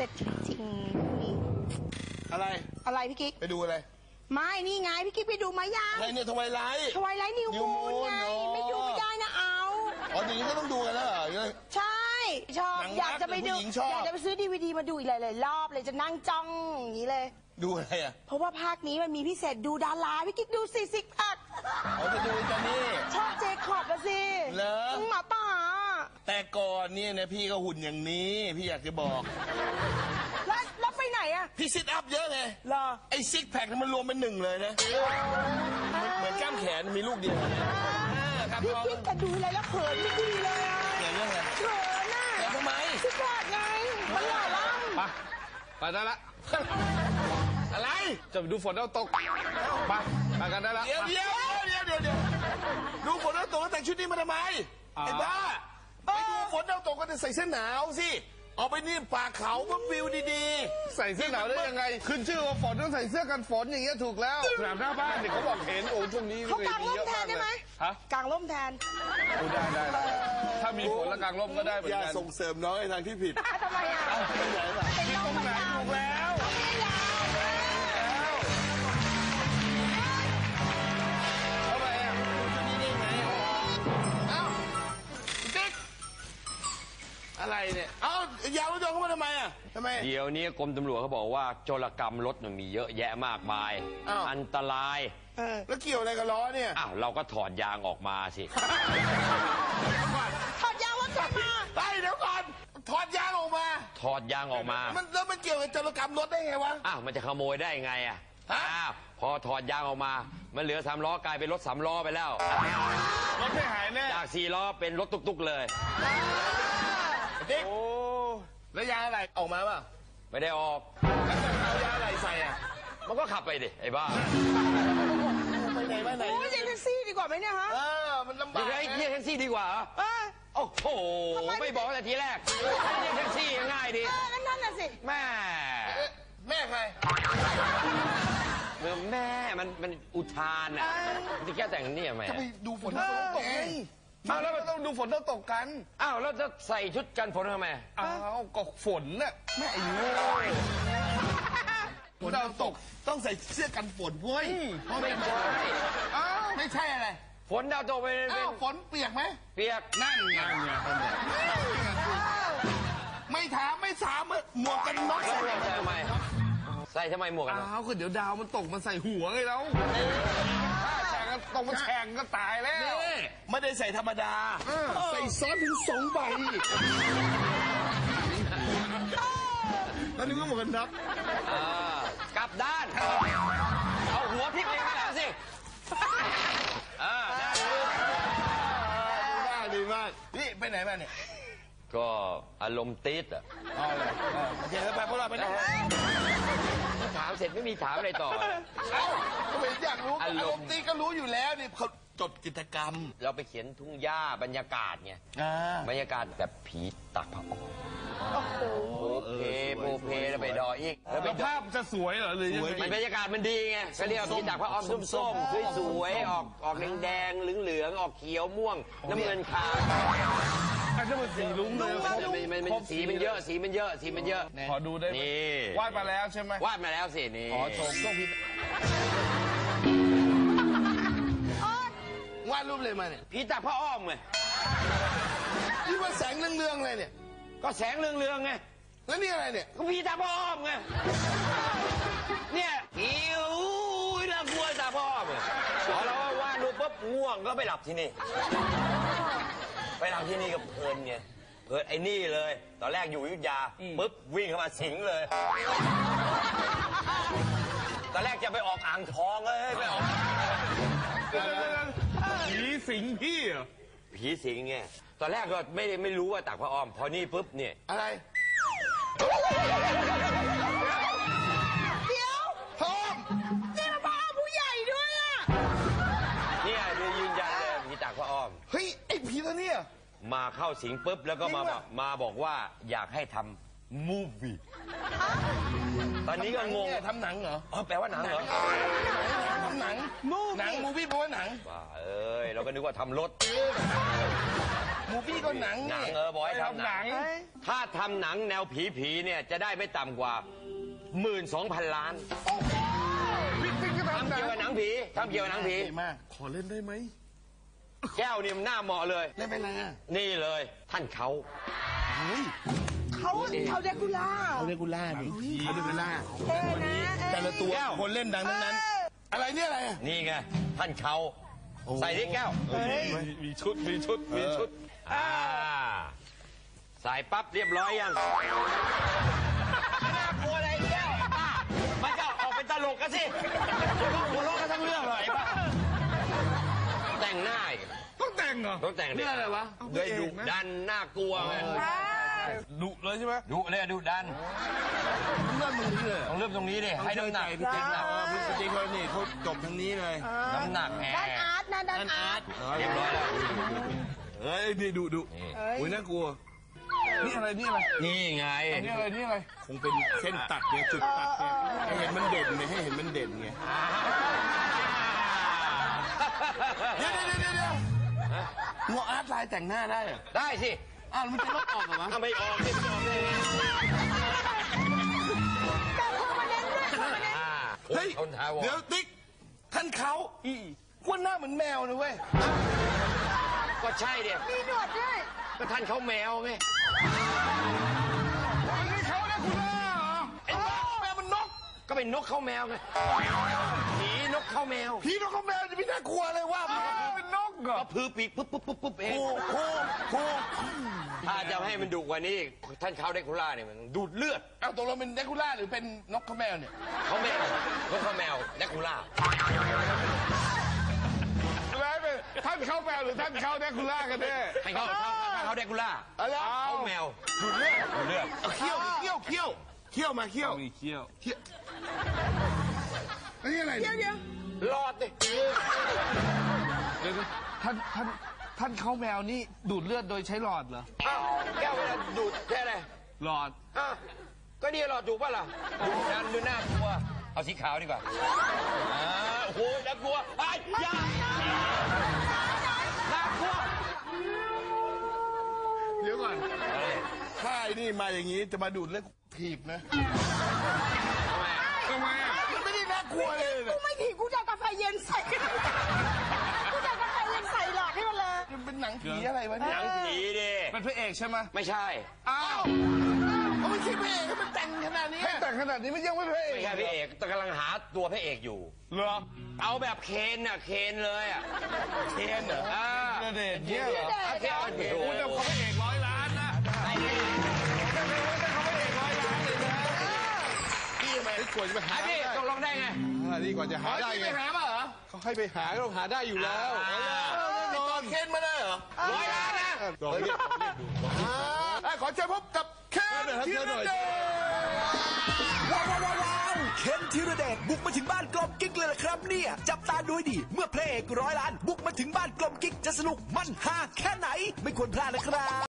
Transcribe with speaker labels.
Speaker 1: จริงนี่อะไรพี่กิ๊ก
Speaker 2: ไปดูอะไร
Speaker 1: ไม่นี่ไงพี่กิ๊กไปดูมายัง
Speaker 2: อะไรเนี่ยทวายไลท์
Speaker 1: นิวมูนไงไม่ดูไม่ได้นะเอา
Speaker 2: อ๋ออย่างนี้ก็ต้องดูกันแล้วเหรอ
Speaker 1: ใช่ชอบอยากจะไปดูอยากจะไปซื้อDVDมาดูอีกหลายๆรอบเลยจะนั่งจ้องอย่างนี้เลย
Speaker 2: ดูอะไรอ่ะ
Speaker 1: เพราะว่าภาคนี้มันมีพิเศษดูดาราพี่กิ๊กดูสิซิกแพค
Speaker 2: เขาจะดูกันนี่
Speaker 1: ชอบเจคอบละสิ
Speaker 2: เหรอ
Speaker 1: หมาป่า
Speaker 2: แต่ก่อนเนี่ยนะพี่ก็หุ่นอย่างนี้พี่อยากจะบอก
Speaker 1: แล้วไปไหนอะ
Speaker 2: พี่ซิทอัพเยอะไง
Speaker 1: เหรอ
Speaker 2: ไอซิกแพคมันรวมเป็นหนึ่งเลยนะเหมือนกล้ามแขนมีลูกเดียว
Speaker 1: พี่กิ๊กจะดูอะไรแล้วเขินไม่ดีเลยอะ
Speaker 2: เรื่องอะไร
Speaker 1: เขินน่ะ
Speaker 2: แล้วทำไม
Speaker 1: ซิกแพคไงมันหล่อล่
Speaker 3: ไปได้ละ
Speaker 2: อะไร
Speaker 3: จะไปดูฝนดาวตกไปกันได้ละ
Speaker 2: เดี๋ยวดูฝนดาวตกแล้วแต่งชุดนี้มาทำไมไอ้บ้าไปดูฝนดาวตกก็จะใส่เสื้อหนาวสิเอาไปนี่ป่าเขาเพื่อวิวดี
Speaker 3: ๆใส่เสื้อหนาวได้ยังไงขึ้นชื่อว่าฝนต้องใส่เสื้อกันฝนอย่างเงี้ยถูกแล้วสนามหน้าบ้านเนี่ยเขาบอกเห็นโอ้ช่วงนี้
Speaker 1: เขากางร่มแทนได้ไหมกางร่มแทน
Speaker 3: ได้ถ้ามีฝนแล้วกางร่มก็ได้เหมือนกัน
Speaker 2: อย่าส่งเสริมน้องในทางที่ผิด
Speaker 1: ทำไมอ่ะ
Speaker 2: เป็นไหนล่ะ
Speaker 3: ที่ตรงไหนถูกแล้ว
Speaker 2: อะไรเนี่ยเอายาวรถยนต์เข้ามาทำไมอ่ะทำไม
Speaker 4: เดี๋ยวนี้กรมตำรวจเขาบอกว่าโจรกรรมรถมันมีเยอะแยะมากมายอันตราย
Speaker 2: แล้วเกี่ยวอะไรกับล้อเนี่ย
Speaker 4: อ้าวเราก็ถอดยางออกมาสิ
Speaker 1: ถอดยางรถมา
Speaker 2: เดี๋ยวก่อนถอดยางออกมาแล้วมันเกี่ยวกับโจรกรรมรถได้ไงวะ
Speaker 4: อ้าวมันจะขโมยได้ไงอ่ะพอถอดยางออกมามันเหลือ3 ล้อกลายเป็นรถ3 ล้อไปแล้ว
Speaker 3: รถไม่หายแน่
Speaker 4: จาก4 ล้อเป็นรถตุกๆเลย
Speaker 2: โอ้แล้วยางอะไรออกมาป่ะ
Speaker 4: ไม่ได้ออก
Speaker 2: เอายางอะไรใส่อ่ะ
Speaker 4: มันก็ขับไปดิไอ้บ้า
Speaker 2: ไปไหน
Speaker 1: โอ้ยเรียกแท็กซี่ดีกว่าไหมเนี่ยฮะ
Speaker 2: มันลำบาก
Speaker 4: เรียกแท็กซี่ดีกว่าโอ้โหไม่บอกแต่ทีแรกเรียกแท็กซี่ง่ายดี
Speaker 1: นั่นน่ะสิ
Speaker 4: แม่
Speaker 2: ใคร
Speaker 4: แม่มันอุทานอ่ะที่แกแต่งนี่แม่
Speaker 2: จะไปดูฝนตกไง
Speaker 3: แล้วมันต้องดูฝนตกกัน
Speaker 4: แล้วจะใส่ชุดกันฝนทำไม
Speaker 3: ก็ฝนน่ะ
Speaker 2: แม่ไอ้โง่ฝนตกต้องใส่เสื้อกันฝนเว้ย
Speaker 4: ไม่ใช่
Speaker 2: ไม่ใช่อะไร
Speaker 4: ฝนดาวตกไป
Speaker 2: ฝนเปียกไหม
Speaker 4: เปียก
Speaker 2: นั่นไงไม่ถามหมวกกันน็อก
Speaker 4: ใส่ทำไมหมวกกันน็อก
Speaker 3: ก็เดี๋ยวดาวมันตกมันใส่หัวไงแล้วแข่งกันตกมันแข่งก็ตายแล้ว
Speaker 2: ไม่ได้ใส่ธรรมดาใส่ซ้อนถึง2 ใบแล้วนึกว่าหมวกกันน็อก
Speaker 4: กลับด้านเอาหัวพลิกไปข้างหลังสิ
Speaker 2: ดีมากนี่ไปไหนมาเนี่ย
Speaker 4: ก็อารมณ์ติดอ่ะ
Speaker 2: เดี๋ยวไปพวกเราไปไหน
Speaker 4: ถามเสร็จไม่มีถามอะไรต่อ
Speaker 2: ก็ไม่อยากรู้อารมณ์ติดก็รู้อยู่แล้วนี่เขาจดกิจกรรม
Speaker 4: เราไปเขียนทุ่งหญ้าบรรยากาศไงบรรยากาศแบบผีตักผ้าอ้อมโอเคแล้วไปดออีก
Speaker 3: แล้วภาพจะสวยเหรอหรือยังไง
Speaker 4: บรรยากาศมันดีไงก็เรียกผีตักผ้าอ้อมส้มๆสวยๆออกแดงๆเหลืองๆออกเขียวม่วงน้ำเงินขาว
Speaker 3: ถ้ามันสีลุ้งเลย
Speaker 4: สีมันเยอะ
Speaker 3: ขอดูได้นี่วาดมาแล้วใช่ไหม
Speaker 4: วาดมาแล้วสินี่
Speaker 3: โชว์ต้องพิ
Speaker 2: วาดรูปเลยมาเนี่ย
Speaker 4: ผีตักผ้าอ้อมไง
Speaker 2: นี่ว่าแสงเรื่องๆเลยเนี่ย
Speaker 4: ก็แสงเรืองไง
Speaker 2: แล้วนี่อะไรเนี่ย
Speaker 4: ก็ผีตักผ้าอ้อมไงเนี่ยหิวน่ากลัวตักผ้าอ้อมพอเราวาดรูปปุ๊บง่วงก็ไปหลับที่นี่กับเพลินไงไอ้นี่เลยตอนแรกอยู่อยุธยาปุ๊บวิ่งเข้ามาสิงเลยตอนแรกจะไปออกอ่างทองเลยไปออก
Speaker 3: ผีสิงพี่เหรอ
Speaker 4: ผีสิงไงตอนแรกก็ไม่รู้ว่าตักผ้าอ้อมพอนี่ปุ๊บเนี่ย
Speaker 2: อะไร
Speaker 1: เดี๋ยว
Speaker 2: พ่อ
Speaker 1: นี่มันผ้าผู้ใหญ่ด้วยอ่ะ
Speaker 4: เนี่ยยืนยันเลยผีตักผ้าอ้อม
Speaker 2: เฮ้ยไอ้ผีตัวเนี้ย
Speaker 4: มาเข้าสิงปุ๊บแล้วก็มาบอกว่าอยากให้ทำมูฟวี่ตอนนี้ก็งง
Speaker 2: ทำหนังเหรอ
Speaker 4: แปลว่าหนังเหรอ
Speaker 2: ทำหนังมูวี่แปลว่าหนัง
Speaker 4: บ้าเราก็นึกว่าทำรถ
Speaker 2: มูฟี่ก็หนัง
Speaker 4: หนั
Speaker 2: นี่
Speaker 4: งบอกให้ทำหนัง ถ้าทำหนังแนวผีเนี่ยจะได้ไม่ต่ำกว่า 12,000 ล้าน
Speaker 3: พี่ติ๊กก็
Speaker 4: ทำ
Speaker 3: ทำหนั
Speaker 4: เกี่
Speaker 3: ง
Speaker 4: ยวกับหนังผีทำเกี่ยวกับหนังผี
Speaker 2: ดีมาก ขอเล่นได้ไหม
Speaker 4: แก้วนี่มันหน้าเหมาะเลย
Speaker 2: เล่นเป็นอะไรอ่ะ
Speaker 4: นี่เลยท่านเขา
Speaker 2: เฮ้ย
Speaker 1: เขาเดกูล่า
Speaker 2: เขาเดกูล่าดิเขาเดกูล่า
Speaker 1: เท่นะ
Speaker 2: แต่ละตัวคนเล่นดังทั้งนั้น อะไรเนี่ยอะไรอ่ะ
Speaker 4: นี่ไงท่านเขาใส่ที่แก้ว
Speaker 3: มีชุดมีชุด
Speaker 4: ใส่ปั๊บเรียบร้อยยังน่ากลัวอะไรแก้วป้ามันจะออกเป็นตลกกันสิหัวเราะกันทั้งเรื่องเลยป้าแต่งหน้าอีก
Speaker 3: ต้องแต่งเหรอ
Speaker 4: ต้องแต่งดิ
Speaker 3: เรื่องอะไรวะ
Speaker 4: ด้วยดุดันน่ากลัวไง
Speaker 3: ดุเลยใช่ไหม
Speaker 4: ดุเลยดุดัน
Speaker 2: เริ่มตรงนี้เลย
Speaker 4: ต้องเริ่มตรงนี้ดิให้น้ำหนัก
Speaker 2: พี่เจ๊งนะพี่เจ๊งเขานี่เขาจบทางนี้เลย
Speaker 4: น้ำหนักแหม
Speaker 1: ด้านอาร์ตนะด้านอาร์ต
Speaker 4: เรียบร้อยแล้ว
Speaker 2: เฮ้ยนี่ดุ
Speaker 4: นี่
Speaker 2: โอ้ยน่ากลัว นี่อะไรนี่อะไร
Speaker 4: นี่ไง
Speaker 3: นี่อะไรนี่อะไร
Speaker 2: คงเป็นเส้นตัดเนี่ยจุดตัดเนี่ยให้เห็นมันเด่นไงให้เห็นมันเด่นไงเดี๋ยวงัวอาร์ตลายแต่งหน้าได้เหรอ
Speaker 4: ได้สิ
Speaker 2: อ้าวมันจะลบออกเหรอวะ
Speaker 4: ทำไมออกสิไม่ออกเลย
Speaker 2: เฮ้ย
Speaker 4: คนทาว
Speaker 2: เดี๋ยวติ๊กท่านเขาว่าหน้าเหมือนแมวนะเว้ย
Speaker 4: ก็ใช่เดีย
Speaker 1: มีหนวดด้วย
Speaker 4: ก็ท่านเขาแมวไง
Speaker 3: นี่เขาเนี่ยคุณล่าเหรอ
Speaker 4: ไอ้บ้า
Speaker 2: แมวมันนก
Speaker 4: ก็เป็นนกเข้าแมวไงผีนกเข้าแมว
Speaker 2: พี่นกกับแมวจะไม่น่ากลัวเลยว่า
Speaker 3: เป็นนกเหรอ
Speaker 4: ก็พือปีกปุ๊บปุ๊บปุ๊บปุ๊บเอง
Speaker 2: โค
Speaker 4: ถ้าจะให้มันดุกว่านี้ท่านเขาเดคูล่าเนี่ยมันดูดเลือด
Speaker 2: เอาตกลงเป็นเดคูล่าหรือเป็นนกกับแมวเนี่ย
Speaker 4: เขาแมวนกเข้าแมวเดคูล่า
Speaker 3: อะไรเป็นท่านเข้าแมวหรือท่านเข้าแดกคูล่ากันแน่
Speaker 4: ให้เขาเดคูล่า
Speaker 2: อะไร
Speaker 4: เขาแมว
Speaker 2: ดูดเลือด
Speaker 4: ดูดเลือด
Speaker 2: เอาเขี้ยวมาเขี้ยว
Speaker 3: มีเขี้ยว
Speaker 2: อันนี้อะไร
Speaker 1: เดี๋ยว
Speaker 4: รอดดิ
Speaker 3: เดี๋ยวท่านเข้าแมวนี่ดูดเลือดโดยใช้หลอดเหรอ
Speaker 4: อ้าวแก้วเวลาดูดแค่ไหน
Speaker 3: หลอด
Speaker 4: อ่ะก็นี่หลอดถูกป่ะล่ะดูดันดูน่ากลัวเอาสีขาวดีกว่าโอ้โหน่ากลัวไอ้ยาน่ากลัว
Speaker 2: เดี๋ยวก่อนถ้าไอ้นี่มาอย่างนี้จะมาดูดเลือดถีบนะ
Speaker 3: ทำไมอ่ะ
Speaker 2: มันไม่ได้น่ากลัวเลย
Speaker 1: กูไม่ถีบกูจะเอากาแฟเย็นใส่กูจะเอากาแฟเย็นใส่หลอดให้มันเลย
Speaker 2: มันเป็นหนังผีอะไรวะเนี่ย
Speaker 4: หนังผีดิ
Speaker 3: เป็นพระเอกใช่ไหม
Speaker 4: ไม่ใช่
Speaker 3: อ้าว
Speaker 2: เขาไม่ใช่พระเอกให้มันแต่งขนาดนี้
Speaker 3: ให้แต่งขนาดนี้มันยังไม่พระเอก
Speaker 4: ไม่ใช่พระเอกแต่กำลังหาตัวพระเอกอยู่
Speaker 3: เหรอ
Speaker 4: เอาแบบเคนน่ะเคนเลยอ่ะ
Speaker 2: เทียนเหรอ
Speaker 3: ณเดชน์เนี่ยเหรอ
Speaker 4: เอาเคนเอาเคน
Speaker 3: คุณจะเขาพระเอก100 ล้านนะ
Speaker 2: พี่ทำไมกลัวจะไปหา
Speaker 4: พี่ตกลงได้ไง
Speaker 3: ดีกว่าจะหาได้
Speaker 2: พี่
Speaker 3: ไง
Speaker 2: ไปหามาเหรอ
Speaker 3: เขาให้ไปหาก็ต้องหาได้อยู่แล้ว
Speaker 2: นอนเคนมาได้เหรอ
Speaker 4: 100 ล้านนะ
Speaker 2: ขอเชิญพบกับเคนธีรเดช
Speaker 5: ว้าวเคนธีรเดชบุกมาถึงบ้านกลมกิ๊กเลยล่ะครับเนี่ยจับตาดูให้ดีเมื่อพระเอก100 ล้านบุกมาถึงบ้านกลมกิ๊กจะสนุกมันฮาแค่ไหนไม่ควรพลาดนะครับ